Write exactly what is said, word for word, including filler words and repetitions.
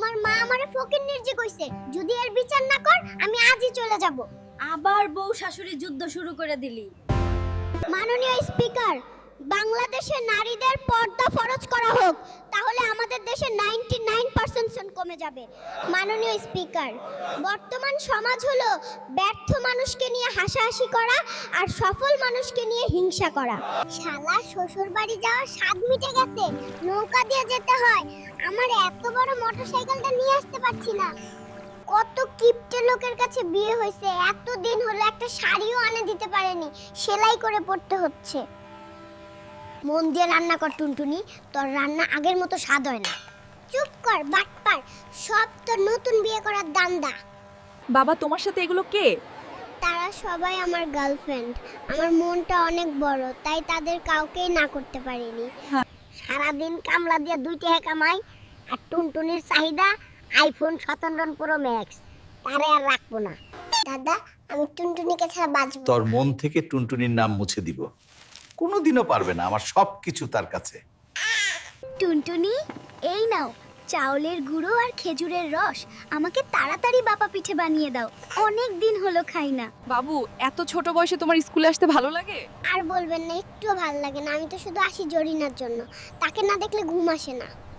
তোমার মা আমারে ফকিন্নির জি কইছে, যদি এর বিচার না কর আমি আজই চলে যাব। আবার বউ শাশুড়ি যুদ্ধ শুরু করে দিলি। মাননীয় স্পিকার, বাংলাদেশে নারীদের পর্দা ফরজ করা হোক, তাহলে আমাদের দেশে নাইনটি নাইন পার্সেন্ট কমে যাবে। মাননীয় স্পিকার, বর্তমান সমাজ হলো ব্যর্থ মানুষকে নিয়ে হাসাহাসি করা আর সফল মানুষকে নিয়ে হিংসা করা। শালা শ্বশুর বাড়ি যাওয়ার স্বাদ মিটে গেছে, নৌকা দিয়ে যেতে হয়। আমার এত বড় মোটরসাইকেলটা নিয়ে আসতে পারছি না। কত কিপটে লোকের কাছে বিয়ে হয়েছে, এত দিন হলো একটা শাড়িও আনে দিতে পারেনি, সেলাই করে পড়তে হচ্ছে। মন দিয়ে রান্না কর টুনটুনি, তোর রান্না আগের মতো স্বাদ হয় না। চুপ কর বাটপার, সব তো নতুন বিয়ে করার দান্দা। বাবা তোমার সাথে এগুলো কে? তারা সবাই আমার গার্লফ্রেন্ড। আমার মনটা অনেক বড়, তাই তাদের কাউকেই না করতে পারিনি। হ্যাঁ। সারাদিন কামলা দিয়ে দুই টাকা কামাই, আর টুনটুনির চাহিদা আইফোন সতেরো প্রো ম্যাক্স, তারে আর রাখবো না। দাদা, আমি টুনটুনিকে ছাড়া বাঁচবো তোর না। মন থেকে টুনটুনির নাম মুছে দিব। কোনোদিনও পারবে না, আমার সব কিছু তার কাছে। টুনটুনি, এই নাও চাউলের গুঁড়ো আর খেজুরের রস, আমাকে তাড়াতাড়ি বাপা পিঠে বানিয়ে দাও, অনেক দিন হলো খাই না। বাবু এত ছোট বয়সে তোমার স্কুলে আসতে ভালো লাগে? আর বলবেন না, একটুও ভালো লাগে না। আমি তো শুধু আসি জরিনার জন্য, তাকে না দেখলে ঘুম আসে না।